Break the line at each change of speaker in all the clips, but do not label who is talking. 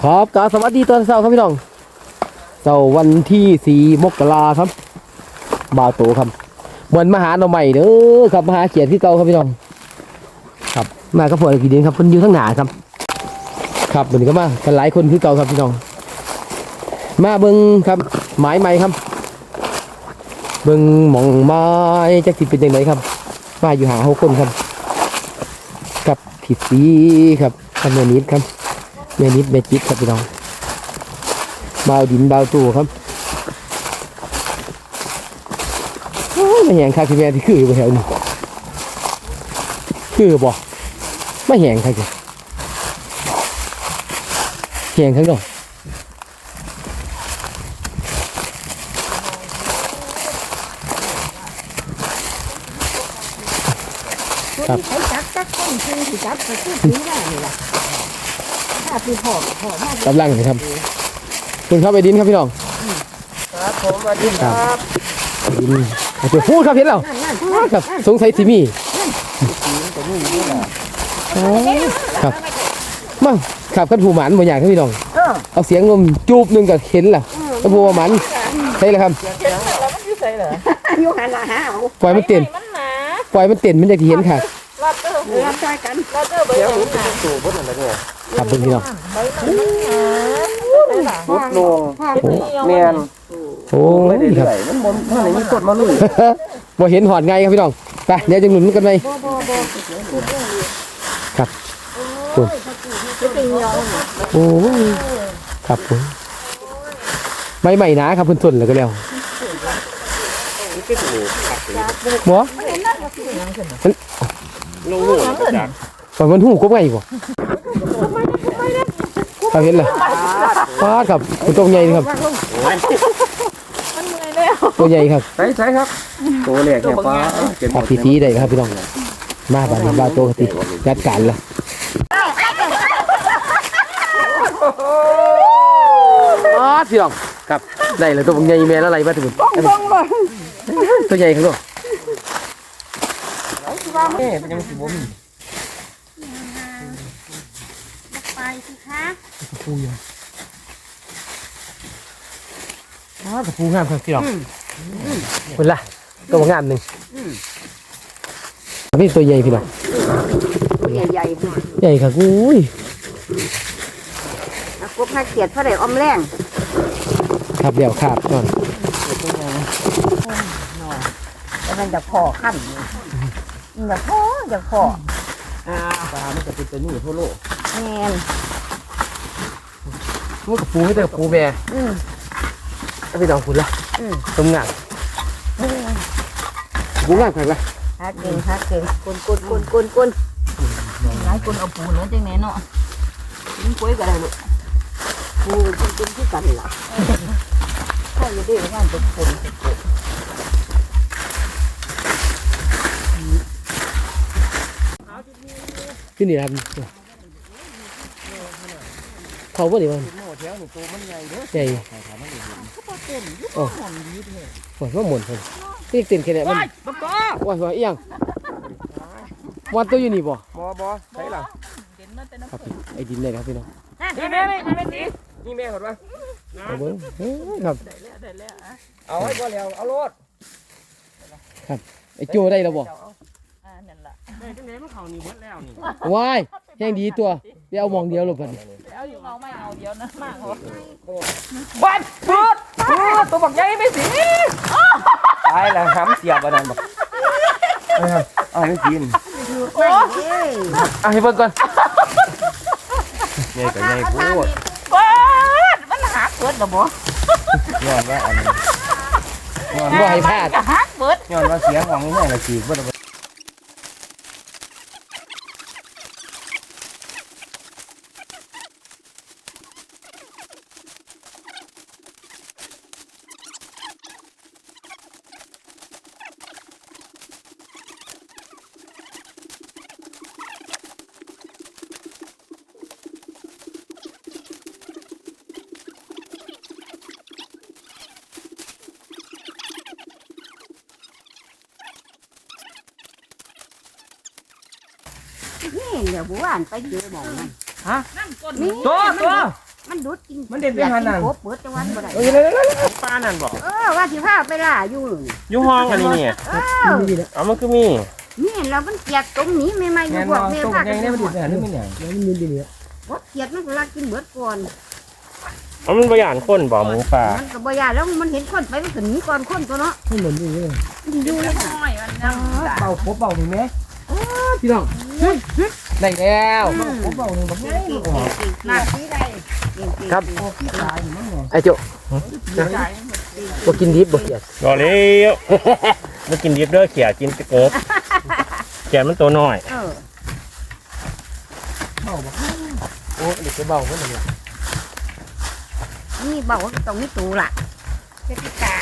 ครับกราบสวัสดีตอนเช้าครับพี่น้องเช้าวันที่4 มกราครับบ่าวโตครับเหมือนมาหาหน่อใหม่เด้อครับมาหาเขียดที่เก่าครับพี่น้องครับมากับพวกกี่เดือนครับคนอยู่ทั้งหนาครับครับวันนี้ก็มากันหลายคนที่เก่าครับพี่น้องมาเบิ้งครับหมายใหม่ครับเบิ้งหม่องไม้จะติดเป็นยังไงครับมาอยู่หา6 คนครับกับผิดสีครับทำเนื้อนิดครับเนื้อนิดเมจิกครับพี่น้องบาวดินบาวตู้ครับไม่แหงครับพี่แม่ที่คืออยู่แถวนี้คือบ่ไม่แหงครับแหงทั้งดอกครับกำลังเลยครับคุณเข้าไปดินครับพี่น้อง
ครับผมสวัสดีครับ
ดินจะพูดครับเห็นแล้วครับสงสัยสิมีครับมั่งขับกันผูหมันบางอย่างครับพี่น้องเอาเสียงลมจูบหนึ่งกับเห็นล่ะแล้วผูหมันใช่เลยครับ
อยู่หันละฮะ
ปล่อยมันเต้นปล่อยมันเต้นมันจะเห็นค่ะ
รับใจกัน
เดี๋ยวผมจะสู่พุทธอะไรเนี่ย
ครับพี่น้อง
พุทธลงเมียน
โอ้
ไม่ได้
ค
เรื่
รับ
อยมันบนเมื่อไหร่มีกดมาลุย
บ่เห็นหอดไงครับพี่น้องไปเดี๋ยวจะหนุนกันไหมครับคุณโอ้ครับผมไม่ใหม่นะครับเพิ่นทนแล้วก็แล้วหมอ
ลงหัวจาก
ตอนมันหูกบไงบ่ถ้าเห็นเลยฟาดครับตัวใหญ่ครับตัวใหญ่ครับ
ใช่ครับตัวเล็กเนี่ยป้า
ขับทีได้ครับพี่น้องมาบ้านบ้านโตติจัดการละพี่น้องครับได้เลยตัวใหญ่แม่แล้วอะไรมาถึงตัวใหญ่ครับ
เนี่ยมันยังสิบมี
ไปสิคะ
ปูอยู่กระปูงามครับพี่น้องคนละตัวงามหนึ่งพี่ตัวใหญ่พี่น้อง
ใหญ่ใหญ่
ใหญ่ครับอุ้ย
กบให้เกียดเท่าไหร่อมแรง
ครับเดี๋ยวขาดก่อน
แล้วมันจะพอขั้นจะพอ
ปลาไม่จะเป็นตัวนี้ทั่วโลก
แม่น
ลูกกระปูให้แต่กระปูแม่พี่น้องคุณละตรงงานปูงามครับละ
ฮักเก่งกุนหลายคนเอาปูเนื้อจังไหนเนาะกินกล้วยก็ได้ลูกปูกุนที่กันล่ะถ้าอยู่ด้วยงานเป็นคน
ที่นี่ครับเขาบ่ได้บ้างใหญ่โอ้โหว่าหมุนเลยที่เต้นแค่ไหนมันว่าเอียงวันตัวอยู่นี่บ่
ใช่หรอ
ครับไอ้ดินเลยครับพี่น้อง
นี่แม่นี่แม่ก่อนวะ
เอาเบิ้งครับ
เอาไว้ก่อนแล้วเอารถ
ครับไอ้โจได้แล้วบ่
ได้จังไหนมันเข่านี่หมดแล้วนี่
ว้ายแห้งดีตัวเดี๋ยวเอามองเดียวหลบกัน
เอาอยู่เอาไม่เอาเดียวนะมากเหรอ
บัดพูดตัวบักใหญ่ไม่สิตายแล้วห้ำเสียบอันนั้นบอกเอาไม่กิน
โอ้ย
เอาให้เบิ่งก่อน
ใหญ่กับใหญ่พูด
มันหาเกิดหรอบ่
ย้อนว่าอันนี้
บ่ให้พลาด
ย้อนว่าเสียของนี่แม่ละจีบว่า
นี่เดี๋ยวบัวอันไปเจอหมองมัน
ฮะตัว
มันมันดุดกิน
มันเด็ดไปหันนั่น
โคเปิดจังหวัดบ่ได้
ป้านั่นบอก
ว่าสิพาไปล่าอยู่
อยู่ห้องอันนี้เนี่ย เอามันคือมี
นี่เรามันเกลียดตรงนี้ไม่อยู่
แม่น
พว
บ่
กแม่
ตัว
พา
ใหญ่เนี่ยมันดิบไปหันนี่มันหยัง
แล้วมันมีดีเนี่ย
บ่เกลียดมันก็ลักกินเบิดก่อน
เอามันประหยัดคนบ่หมูป่า
มันก็บ่ยากแล้วมันเห็นคนไปมันก็หนีก่อนคนตัวเนาะ
ให้เหมือนดีเลย
มันอยู่แล้วค่ะ
เป่าครบเป่าถึงไหม
พี่น้องได้แล้ว
ครบเป่าถึงแบบนี้
หน้าที่ใด
ครับ
พี่ตายอยู่มั้งเนี่ย
ไอ้โจ้บ่กินดิบบ่เกลียด
รอเลี้ยวมันกินดิบเด้อเขียกินตะเกิบเขียมันตัวน้อย
เป่าบ่
โอ้เด็กจะเบาเพิ่นเลย
นี่บอกว่าตรงนี้ตูล่ะเป็นพี่กาย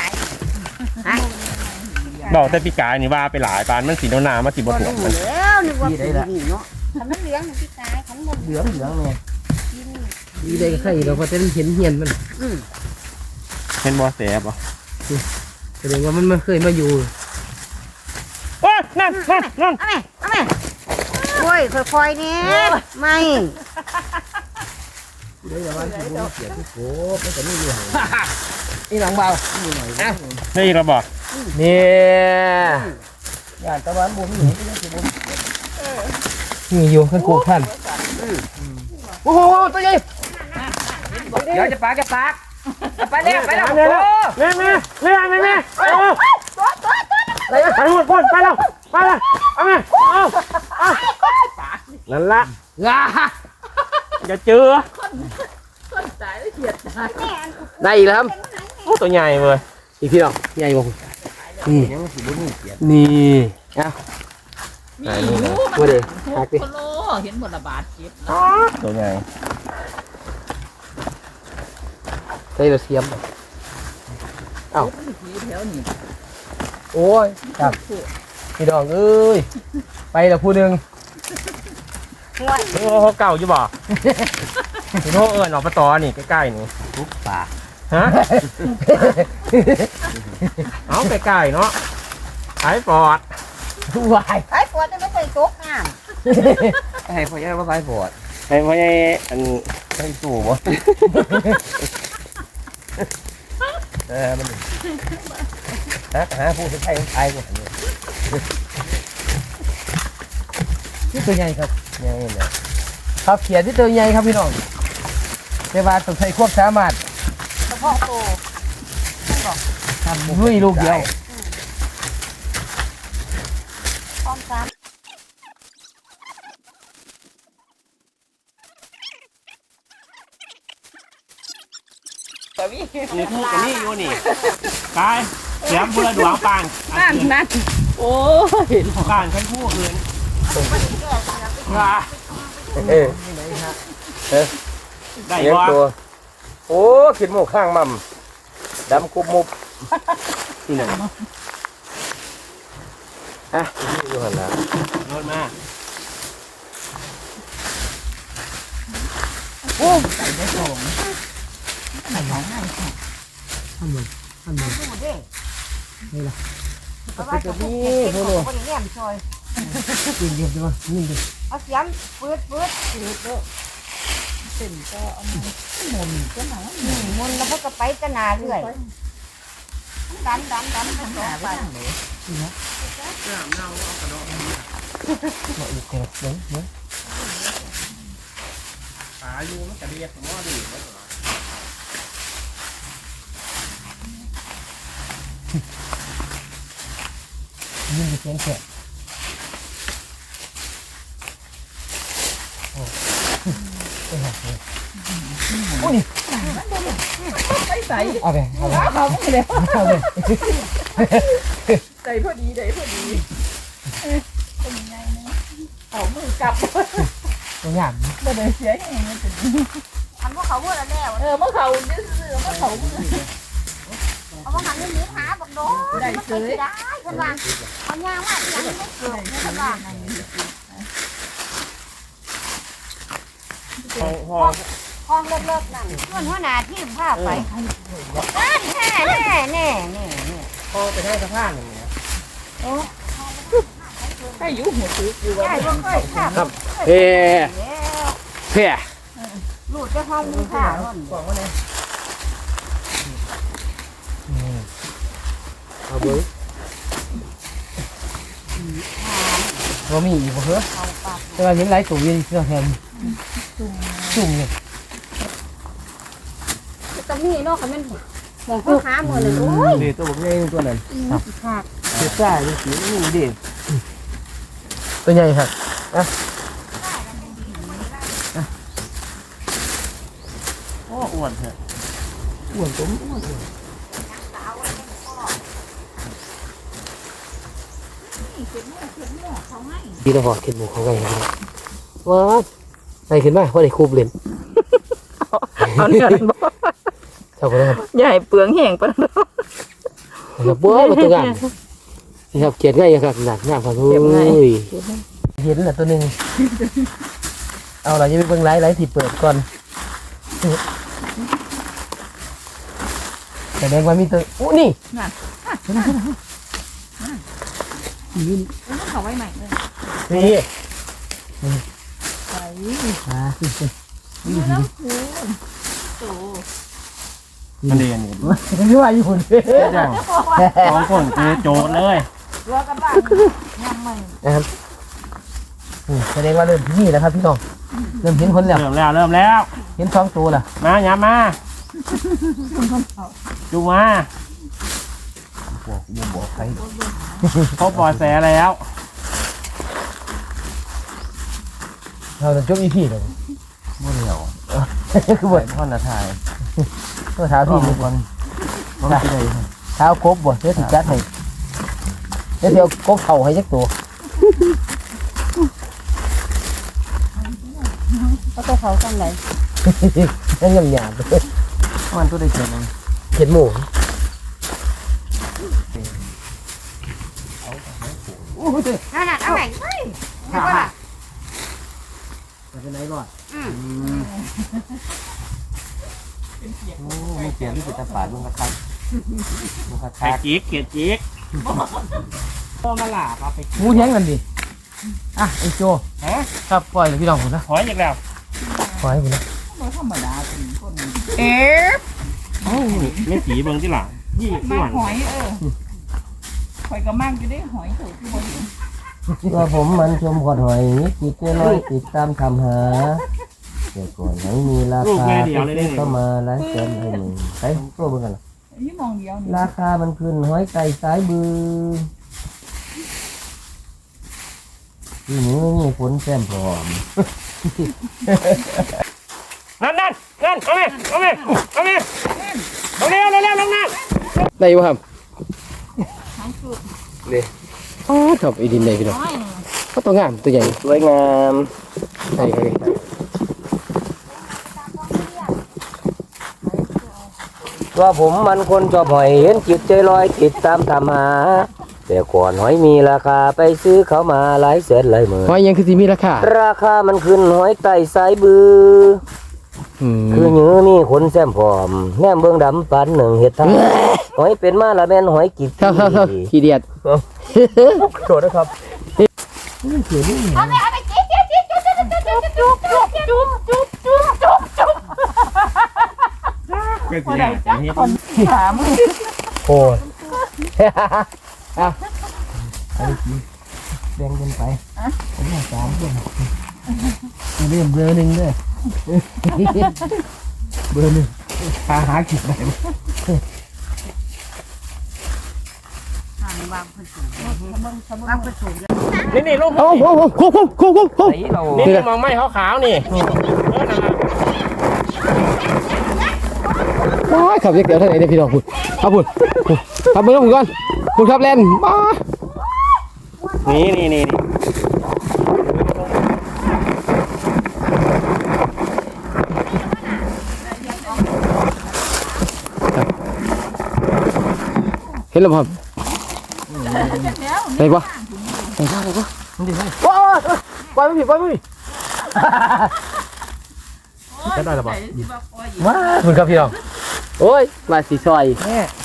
บอกแต่พี่กายนี่ว่าไปหลายปานมันสีหนามาสีบ
บ่
ถ่วง
รู้
มัน
แล้วนึกว่าเป็นนี่เนาะทำมันเหลืองพี่กายของมัน
เหลืองเนี่ย
ดีได้ก็ใครเราพอจะเห็นเหียนมัน
เห็นบ่แสบบ่
แสดงว่ามันเคยมาอยู่
โอ้ยนั่น
เอาแม่โอ้ยค่อยๆเนี่ยไม่
เดี๋ยววันที่ผมเสียที่โคบแล้วก็นี่อยู่
นี่หลังเบา
นี่เราบอก
เนี่ย
ย่านตะวันบ่มีเห็นก็สิบ่
มีอยู่ข้างกูพันโอ้โหตัวใหญ่
เดี๋ยวจะปากไปแล้วโอ้
แม่ไปหมดพ่นไปแล้วเอาแม่เอานั่นละ
งา
อย่าเจอ
ได้อีกแล้วครับ
โอ้ตัวใหญ่เว้ย
อีกพี่น้องใหญ่บ่นี่
ยังสิบ่มีเกียรติ
นี่เอา
ไหนนี่นะ
มาเด้หักดิ
โลเห็นหมดละบาทเจ็บ
ตัวใหญ่
ใส่เราเสียมเอ้า
ผีแถวนี้
โอ้ยครับพี่น้องเอ้ยไปแล้วผู้หนึง
โอ้เขาเก่าอยู่บ่พี่โน่เอิญออกมาต่อนี่ใกล้ๆนี่
ทุกปาก
ฮะเอาใกล้ๆเนาะไอ้ปอด
วาย
ไอ้ปวดไม่เคยตกงาน
ให้พ่อใหญ่ว่าไปบอด
ไอ้พ่อใหญ่อัน
ไปสู่บ่มันหาผู้ที่ใช้ไทยบ่เนี่ย
นี่ตัวใหญ่ครับ
ยังนี่เนี่ย
ครับเขียนที่ตัวใหญ่ครับพี่น้องแต่ว่าต้องใช้ควบสามารถ
เฉพาะโต
ทำด้วยลูกเดียว
พร้อมกัน
นี่พูดกับนี่อยู่นี่กายเสียงบุรดวงปาน
นั่นโอ้ย
ปานฉันพูดเลย ได้
เลี้ยง
บ่
ตัวโอ้กินหมูข้างมั่มดำคุบมุบที่ไหนนี่อยู่หั่นล่ะ
โดนมา
ดูเด้
นี่ล่ะ
เพราะว่าจะพูดเก็บของคนแง่มซอย
กินเดียวใช่ไหมนี่ดิ
เอาเสียมปืดปืดเด้อ
เป็นก็เอามาหมุนก็หนา
มุนแล้วก็ไปจะนาเรื่อยดันมันต่อไป
ขาอยู่มันกระเดียดผมว่าดี
ยิ่งจะเสียงแฉะ
ไปใส่
เอาไปเอาไป
เขาไม่ได้
เอาไป
ใส่พอดีได้พอดีเป็นยังไงเนี่ยเอามือกลับ
ตัวอย่าง
ไม่ได้เสียอย่างนี้เป็น
ทำพวกเขาพูดแล้ว
เมื่อเขาซื้อเมื่อเขา
เอามาหันนี้หาบักโดได้เฉยได้คนว่าเอาย่างว่ายังไม่เกิดคนว่า ห้องเลิกๆนั่นส่วนหัวหน้าที่พาไปแน่
พอไปให้สะพานอย่างเงี้ย
ให้อยู่หัวซื้ออยู่ว่า
ใช่บ่เคยทำ
เพ่เพ่
มลูกจะห้องนึงค่ะ
กล่องว่าไง
เอาเบิ้งว่ามีอีกบ่เหรอแต่ว่าเห็นหลายตัวอยืนเสื้อแทนจุ่มเลย
ตรงนี้เนาะค่ะมันมองพ่อค้าหมดเลยโอ้ย
เด็ตัวบอกง่ายตัวนั้น
ขาด
เด็ดซ่าเด็ดสีนี่เด็ด
ตัวใหญ่ครับ
โอ้อ้วนเถอะ
อ้วนตุ้มอ้วนดีแล้วพอเข็นหมูเขาไงว้าวใส่ขึ้นมาว่าได้คูบเล่น
เอาเนื้อนั่นบ่
เท่ากันแล้วครับ
อย่าให้เปลืองแห้งปานนั้น
ครับว้าวตัวงามนี่ครับเขียนง่ายครับหนักงามครับโอ้ยเห็นแหละตัวหนึ่งเอาเราจะไปเบิ่งไลฟ์ที่เปิดก่อนแสดงว่ามีตัวอู้นี่
เขาไว้ใหม่เลย
นี่
ไป
อ่า
แล้วโต
มันเรียนนี่
ไม่ว่าอยู่คนเดียว
จังสองคนคือโจทย์เลย
ตัวกันบ้างยังไม่
นะครับแสดงว่าเริ่มที่นี่แล้วครับพี่น้องเริ่มเห็นคนแล้ว
เริ่มแล้ว
เห็นสองตัวแล้ว
มาอย่ามาจูมา
บอกใคร
เขาปล่อยแสแล้ว
เราจะจบอีพีเลย
บ่เหลียว
คือบท
พ่อนาทาย
ตัวเท้าพี่ทุกคน
บ่ได้เลย
เท้าครบบทเดี๋ยวติดจัดให้เดี๋ยวกบเข่าให้ยักตัว
ก็ตัวเขากันไหน
นั่นยำหยาบเลย
มันตัวได้เขียนเอง
เห็นหมู
นั่นน่ะเอาไหนเฮ้ยไม่ว่า
ไปไหนรอด
โอ้ไม่เขียนที่เป็นตาฝาดลุงกระทักลุงกระทักเขียนจิ๊กพอมาหลาบเอาไป
หมูแท้งกันดิอ่ะไอโจ
ฮะ
ครับปล่อยเลยพี่น้องผมนะ
หอยอีกแล้ว
ปล่อยให้ผมนะ
บ่ธรรมดาเป็นคน
ไม่ผีเบิ่งที่หลังยี่
มา
อ้วน
หอยหอยก็มั่งอยู่ได้หอยถูกที่บ่เห็น
ตัวผมมันชมขอดหอยติดน้อยติดตามทำหาแต่ก่อนไหนมีราคาเข้ามาหลายแสนให้หนึ่งไปตัวเบิ่งกันล่ะ
นี่มองเดียวนี่
ราคามันขึ้นหอยไก่สายบือที่นี้ไม่มีฝนแซมพร้อม
นั่นเอาไหมเอาเร็วลงน้ำ
ได้ป่ะครับ
หางสุด
อ๋อชอบไอ้ดินได้พี่น้อง
น้อย
ก็ตัวงามตัวใหญ่
สวยงาม
ใช่ครับว่าผมมันคนชอบหอยเห็นจิตใจลอยติดตามทำหาแต่ก่อนหอยมีราคาไปซื้อเขามาหลายแสนหลายหมื่นหอยยังคือสิมีราคาราคามันขึ้นหอยไต่สายบือคือเนื้อมีขนแซมพร้อมแนมเบื้องดำปันหนึ่งเห็ดทั้งหอยเป็นมาละแม่นหอยกิดขี้เดียดโทษนะครับ
เอาไปจิ๊บจุ๊บ
ก็สิได้จังนี้
ถาม
โอ้ยเอาแบ่งกันไปผมอยากสามคนเรื่องเบอร์หนึ่งด้วยเบอร์หนึ่งหากินได้
วางผสมวางผสม
นี่ลูก
โอ้โหโค้งโค้งโค้งโค้ง
นี่มองไม่ขาวๆนี่
ว้ายขับเล็กเดี๋ยวท่านไหนเนี่ยพี่น้องคุณเอาคุณขับเบอร์ผมก่อนคุณขับแลนมา
นี่
เห็นแล้วครับได้ปะได้ปะว้าวปล่อยไม่ผิดปล่อยไม่ผิดได้หรือเปล่าว้าคุณครับพี่น้องโอ้ยมาสีซอย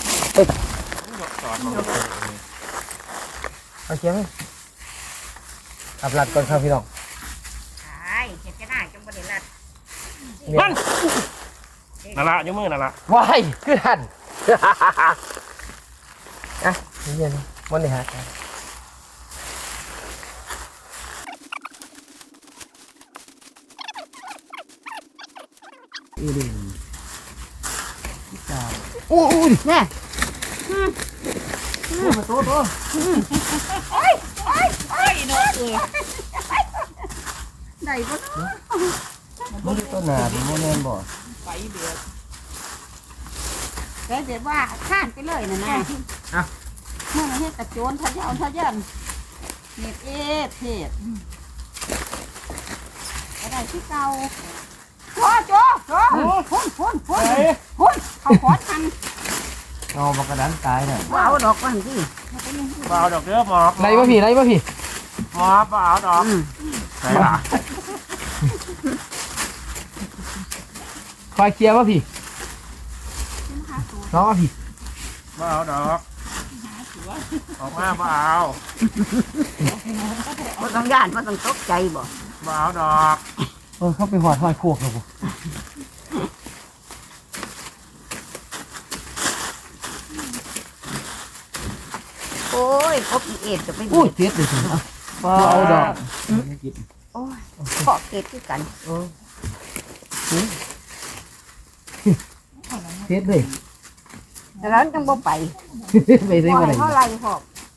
เอาเชียงขับลัดก่อนครับพี่น้อง
ใช่เห็ดจะได้จังบ่ได้ลัด
มันนั่นละยกมือนั่นละ
ว้ายคือทันอ่ะเย็นๆมันเลยฮะโอ้ย
แน่
โตโต
ไอ้เนาะ
ได้บ่
มันต้นหนาเป็นโมเมนบ่
ไปเดือด
แต่เดี๋ยวว่าข้านไปเลยนะนะเมื่อมันเฮ็ดกระโจนทะยานเน็บเทศอะไรที่เก่าโจพุ่นเขาขอทัน
เอาบักกระดันตายน่ะ
ว่าเอาดอกมันสิ
เปล่าดอกเด้อหมอบ
ไรวะพี่ไรวะพี่
หมอบเปล่าดอกไหนล่ะ
คอยเคลียร์วะพี่น้องพี่
เปล่าดอกออกมาเปล่า
บ่ต้องย่านบ่ต้องตกใจบ่
เปล่าดอก
เข้าไปหอดโคกแล้วกู
โอ้ยครบอีเอ็ดจะไป
โอ้ยเจ็ดเลยสิเอาดอก
โอ้ยขอเก็บคือกัน
เจ็ดเลย
แต่แล้วจังบ่ไป
ไปได้
บ่
บ่
ให้
ได้
เท่าไรพอก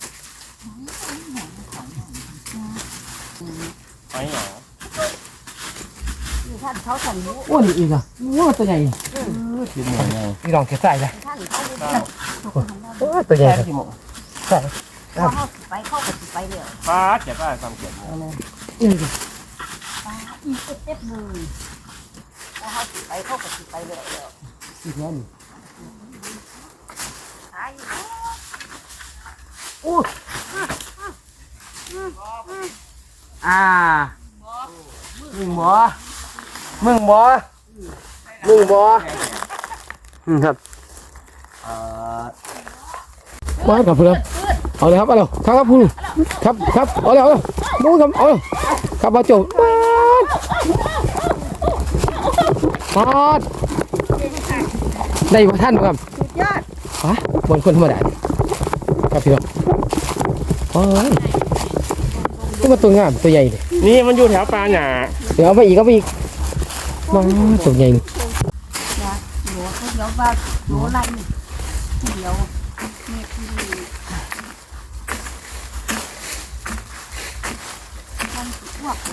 ไปหยัง
อยู่ท่านเขาสั่นรู้
โอ้ยอีกอ่ะโอ้ตัวใหญ่
กินหมดไง
นี่ลองเก็บใส่เลย
ท่านเขารู้
เปล่า
โอ้ยตัวใหญ่
แค่ที่หมด
พอเขาสิไปเขาก็สิไปเรื่อย
ป้าเจ็บได้ทำเจ็บหมด
อีกเต็บเลยพอเขาสิไปเขาก็สิไปเรื่อย
อีกแล้วนี่
หาย
มึงบ่ครับมากับเพื่อนเอาเลยครับเอาเลยครับคุณครับเอาเลยดูครับเอาเลยครับมาจบปาดได้บ่ท่านครับ
สุดยอด
ฮะบนคนธรรมดาครับพี่น้องโอ้ยนี่มันตัวงามตัวใหญ่เลย
นี่มันอยู่แถวปลาหนา
เดี๋ยวเอาไปอีกมาตัวใหญ่
หนูเขาเดี๋ยวว่าหนูไรเดี๋ยวเม็ดที่มันอ้วก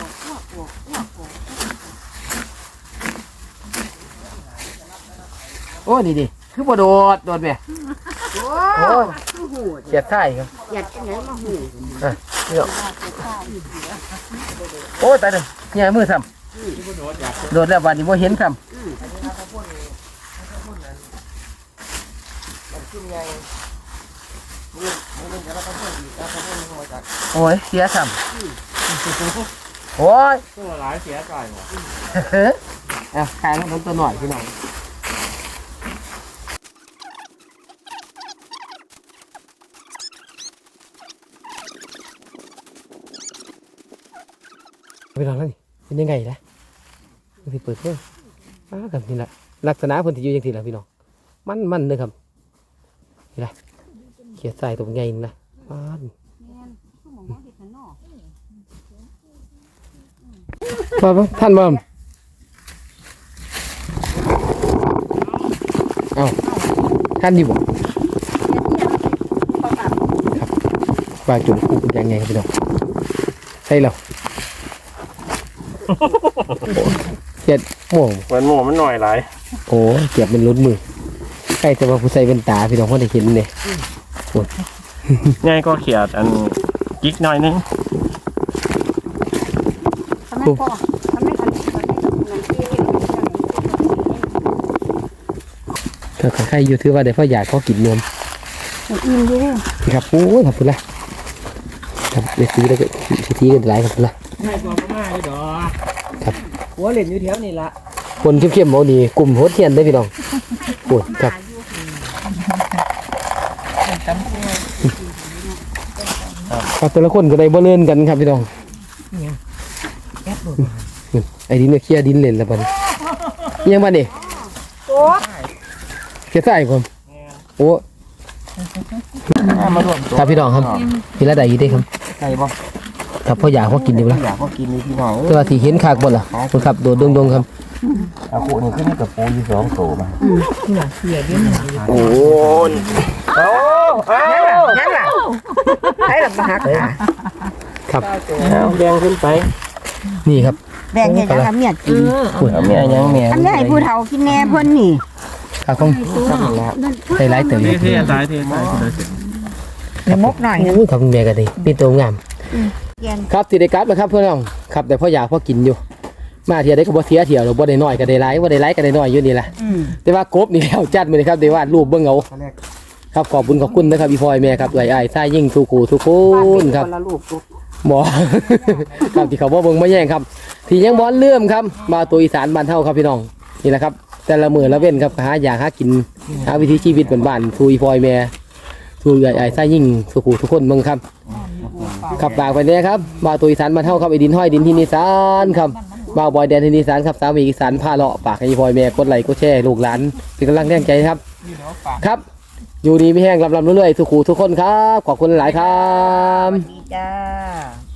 โอ้นี่ดิคือบ่โดดไป
โอ้คือหู
เกียดไส้ครับ
อยากจะไหนมาหู
โอ้ตายเลยเนี่ยมือทำโดดแล้ววันนี้บ่เห็นทำโอ้ยเสียทำโอ้ย
ตัวหลายเสียใจหมด
เอาขายแล้วตัวหน่อยพี่น้องไปลองแล้วนี่เป็นยังไงนะมันสิเปิดเครื่องครับนี่แหละลักษณะเพิ่นที่อยู่อย่างที่ละพี่น้องมันเลยครับนี่แหละเขียดใส่ตัวใหญ่นี่นะมาท่านมาเอาท่านอยู่บ่ปลาจุ่มคู่เป็นยังไงครับพี่น้องใช่แล้วเจ็ดโม่ง
วันหมูมันหน่อยหลาย
โอ้เจ็บเป็นรุดมือใกล้จะมาผู้ใส่เป็นตาพี่น้องเขาได้เห็นเลย
ง่ายก็เขียดอันกิ๊กหน่อยนึง
ทำไมพ่อทำไมทำเงินที่
ถ้าใครอยู่ถือว่าได้พ่ออยากเขากินนม
อิ่มอยู่
ครับโอ้ยขอบคุณละครับไปซื้อแล้วก็ทีกันหลายขอบคุณละ
ง่ายกว่าพม่าเลยดอก
ครับ
หัวเหรียญอยู่แถวนี่ละ
คนเข้มๆเอาดีกลุ่มโหดเทียนได้พี่น้องโอ้ยครับครับแต่ละคนก็ได้บ่เลื่อนกันครับพี่น้องไอ้ดินเนี่ยเคลียร์ดินเล่นแล้วบัดนี้ยังบ้านนี่
โอ้
เขียดใส่ผมโอ้
มาร่วมตัว
ครับพี่น้องครับพี่ละใดอยู่เด้ครับ
ใส่บ่
ครับพ่ออยากพ่อกินดีบ่ล่ะ
อยากก็กินนี่พี่น้อง
แต่ว่าสิเห็นคากบ่ล่ะคุณครับโดดดงๆครับ
เอาคู่นี่ขึ้นกับปูอยู่2ตัวมา
โอ้
ยังล่ะให้ลำบากค่ะ
ครับ
เอาแดงขึ้นไป
นี่ครับ
แบ่งให้ยังเมียกิน
เอาแม่ยังแม่
อันนี้ให้ผู้เฒ่ากินแน่เพิ่นนี่
ครับผมใส่หลายเติม
เท่ตายเท่ตาย
อย่ามกหน่อย
โอ้ยครับคุณแม่ก็ดีมีตัวงาม
แกน
ครับสิได้กลับนะครับเพื่อนน้องครับแต่พ่ออยากพ่อกินอยู่ มาเที่ยวได้ก็บ่เสียเที่ยวหรอกบ่ได้น้อยก็ได้หลายบ่ได้หลายก็ได้น้อยอยู่นี่แหละแต่ว่ากบนี่แล้วจัดมื้อนี้ครับได้วาดรูปเบิ่งเอาครับขอบคุณนะครับพี่พลอยแม่ครับเอ้ยอ้ายซ่ายิ่งทุกคู่ทุกคนครับ
คนละลูกลูก
บ่ ครับที่เขาบ่เบิ่งมาแย่งครับ ที่ยังบ่เลื่อมครับมาตัวอีสานบ้านเฮาครับพี่น้องนี่แหละครับ แต่ละมื้อละเว้นครับหาอยากหากินหาวิถีชีวิตบ้านๆทูอีพลอยแม่ทูเอ้ยอ้ายซ่ายิ่งทุกคู่ทุกคนเบิ่งครับ ขับฝากไปเนี่ยครับบ่าวตัวอีสานมาเท่าครับไอ้ดินห้อยดินที่นิสานครับบ่าวบอยแดนที่นิสานครับสามีอีสานพาเลาะฝากให้พลอยแม่กดไลค์กดแชร์ลูกหลานเป็นกำลังแรงใจครับครับ อยู่ดีไม่แห้งลำเรื่อยๆทุกคู่ทุกคนครับขอบคุณหลายครับ
ดีจ้า